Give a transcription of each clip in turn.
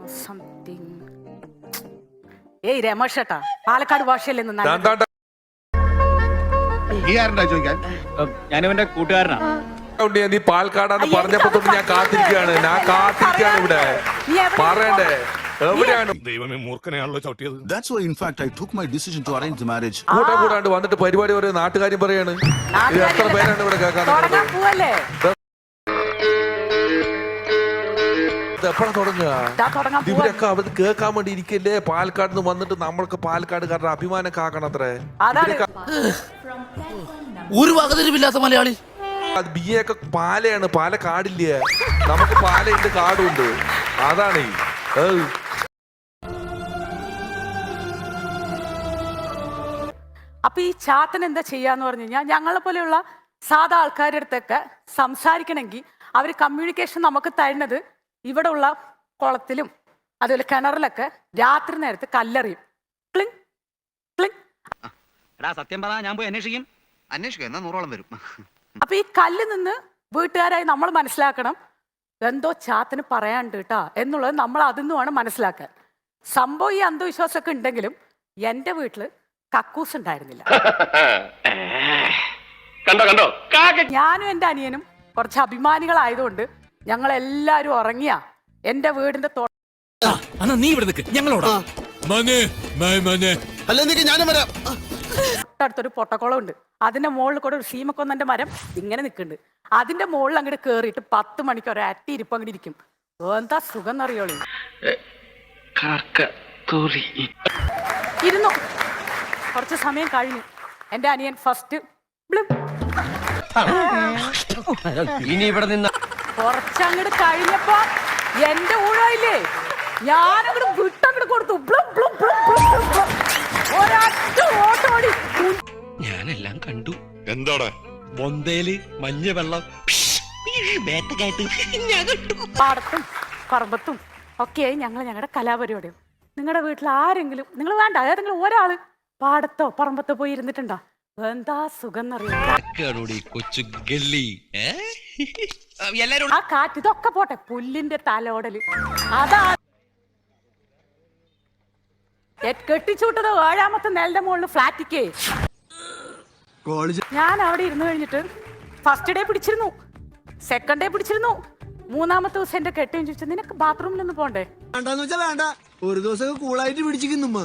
Something. ഏയ് രമേഷ് ഏട്ടാ, പാലക്കാട് ഭാഷയല്ലേ ഞാനിവന്റെ കൂട്ടുകാരനാണ്. നീ പാലക്കാടാന്ന് പറഞ്ഞപ്പോ തൊട്ട് ഞാൻ കാത്തിരിക്കുകയാണ് ഇവിടെ. പറയണ്ടേ എവിടെയാണ്? ദൈവമേ, മൂർഖനെയാണല്ലോ ചവിട്ടിയത്. That's why in fact I took my decision to arrange the marriage. കൂടാണ്ട് വന്നിട്ട് പരിപാടി ഒരു നാട്ടുകാര്യം പറയാണ്. ഇത് എത്ര പേരാണ് ഇവിടെ കേൾക്കാൻ? എപ്പോഴാ തുടങ്ങുക? ഇവരൊക്കെ അവർ കേൾക്കാൻ വേണ്ടി ഇരിക്കല്ലേ? പാലക്കാട് നിന്ന് വന്നിട്ട് നമ്മൾക്ക് പാലക്കാടുകാരുടെ അഭിമാനം കാക്കണത്രേ. ഒരു വകതിരിവില്ലാത്ത മലയാളി. അത് ബിയൊക്കെ പാലയാണ്, പാലക്കാടില്ല. നമുക്ക് പാലയുണ്ട്, കാടുണ്ട്. അതാണ് അപ്പൊ ഈ ചാത്തൻ എന്താ ചെയ്യാന്ന് പറഞ്ഞു കഴിഞ്ഞാൽ, ഞങ്ങളെ പോലെയുള്ള സാധാ ആൾക്കാരുടെ അടുത്തൊക്കെ സംസാരിക്കണമെങ്കിൽ അവർ കമ്മ്യൂണിക്കേഷൻ നമുക്ക് തരുന്നത് ഇവിടെ ഉള്ള കുളത്തിലും അതുപോലെ കിണറിലൊക്കെ രാത്രി നേരത്ത് കല്ലെറിയും. Cling cling. സത്യം പറഞ്ഞാൽ ഞാൻ പോയി അന്വേഷിക്കും. എന്നാ 100ഓളം വരും. അപ്പൊ ഈ കല്ല് നിന്ന് വീട്ടുകാരായി നമ്മൾ മനസ്സിലാക്കണം എന്തോ ചാത്തിന് പറയാണ്ട് കേട്ടാ എന്നുള്ളത്. നമ്മൾ അതിൽ വേണം മനസ്സിലാക്കാൻ. സംഭവം ഈ അന്ധവിശ്വാസമൊക്കെ ഉണ്ടെങ്കിലും എന്റെ വീട്ടില് കക്കൂസ് ഉണ്ടായിരുന്നില്ല. ഞാനും എന്റെ അനിയനും കുറച്ച് അഭിമാനികളായതുകൊണ്ട് ഞങ്ങൾ എല്ലാരും ഉറങ്ങിയ എന്റെ വീടിന്റെ നീ ഇവിടെ നിൽക്ക്, ഞങ്ങളോടാ. തൊട്ടടുത്തൊരു പൊട്ടക്കുളം ഉണ്ട്. അതിന്റെ മുകളിൽ കൂടെ ഒരു സീമക്കൊന്നന്റെ മരം ഇങ്ങനെ നിൽക്കുന്നുണ്ട്. അതിന്റെ മുകളിൽ അങ്ങോട്ട് കേറിയിട്ട് 10 മണിക്ക് ഒരു അറ്റി ഇരിപ്പ് അങ്ങോട്ട് ഇരിക്കും. എന്താ സുഖം എന്നറിയോളൂ. ഇരുന്നു. കുറച്ച് സമയം കഴിഞ്ഞു. എന്റെ അനിയൻ ഫസ്റ്റ് ഇനി ഇവിടെ നിന്ന് കുറച്ചങ്ങോട്ട് കഴിഞ്ഞപ്പോ എന്റെ ഊഴയില്ലേ, ഞാനങ്ങോട്ട് വിട്ടങ്ങോട്ട് കൊടുത്തു. ഒരൊറ്റ ഓട്ടോടി. ഞാനെല്ലാം കണ്ടു. എന്താടാ? ബൊന്തേല് മഞ്ഞ വെള്ളം പാടത്തും പറമ്പത്തും ഒക്കെയായി ഞങ്ങളുടെ കലാപരിപാടിയും. നിങ്ങളുടെ വീട്ടിൽ ആരെങ്കിലും, നിങ്ങൾ വേണ്ട ഏതെങ്കിലും ഒരാള് പാടത്തോ പറമ്പത്തോ പോയി ഇരുന്നിട്ടുണ്ടോ? എന്താ സുഖം എന്നറിയാം. കൊച്ചു ഗല്ലി. ആ കാറ്റ് ഇതൊക്കെ പോട്ടെ, പുല്ലിന്റെ തലോടല് അതാ കെട്ടിച്ചൂട്ടത് 7ാമത്തെ നിലന്റെ മുകളിൽ ഫ്ലാറ്റിക്കേ. ഞാൻ അവിടെ ഇരുന്ന് കഴിഞ്ഞിട്ട് ഫസ്റ്റ് ഡേ പിടിച്ചിരുന്നു, സെക്കൻഡ് ഡേ പിടിച്ചിരുന്നു. 3ാമത്തെ ദിവസം എന്റെ കെട്ടിയും ചോദിച്ചു, നിനക്ക് ബാത്റൂമിലൊന്നും പോണ്ടേ? വേണ്ട, ഒരു ദിവസം കൂളായിട്ട് പിടിച്ചിരിക്കുന്നു.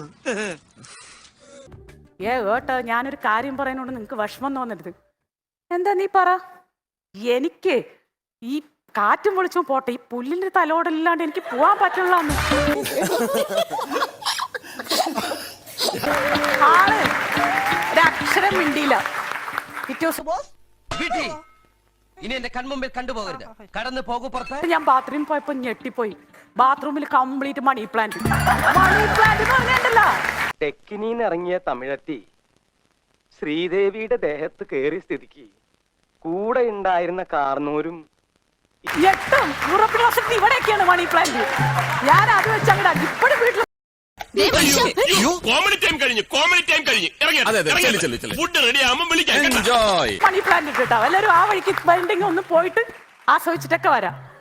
കേട്ടോ, ഞാനൊരു കാര്യം പറയുന്നോണ്ട് നിങ്ങക്ക് വിഷമം തോന്നരുത്. എന്താ നീ പറ. എനിക്ക് ഈ കാറ്റും വിളിച്ചും പോട്ടെ, ഈ പുല്ലിന്റെ തലോടല്ലാണ്ട് എനിക്ക് പോവാൻ പറ്റുള്ള ആള് ഒരക്ഷരം മിണ്ടിയില്ല. ഇനി എന്റെ കൺമുമ്പിൽ കണ്ടുപോകരുത്. കടന്നു പോകും പുറത്ത്. ഞാൻ ബാത്റൂമിൽ പോയപ്പോ ഞെട്ടിപ്പോയി. ബാത്റൂമിൽ complete money plant. Money plant എന്ന് പറഞ്ഞിട്ടല്ലോ. തെക്കിനീന്ന് ഇറങ്ങിയ തമിഴത്തി ശ്രീദേവിയുടെ ദേഹത്ത് കയറിയ സ്ഥിതിക്ക് കൂടെ ഉണ്ടായിരുന്ന കാർന്നൂരും ഇവിടെയൊക്കെയാണ് മണി പ്ലാന്റ്. ഞാൻ അത് വെച്ച് അങ്ങനെ ഇപ്പോഴും വീട്ടിൽ മണി പ്ലാന്റ് ഇട്ടോ എല്ലാവരും ആ വഴിക്ക് വേണ്ടെങ്കിൽ ഒന്ന് പോയിട്ട് ആസ്വദിച്ചിട്ടൊക്കെ വരാം.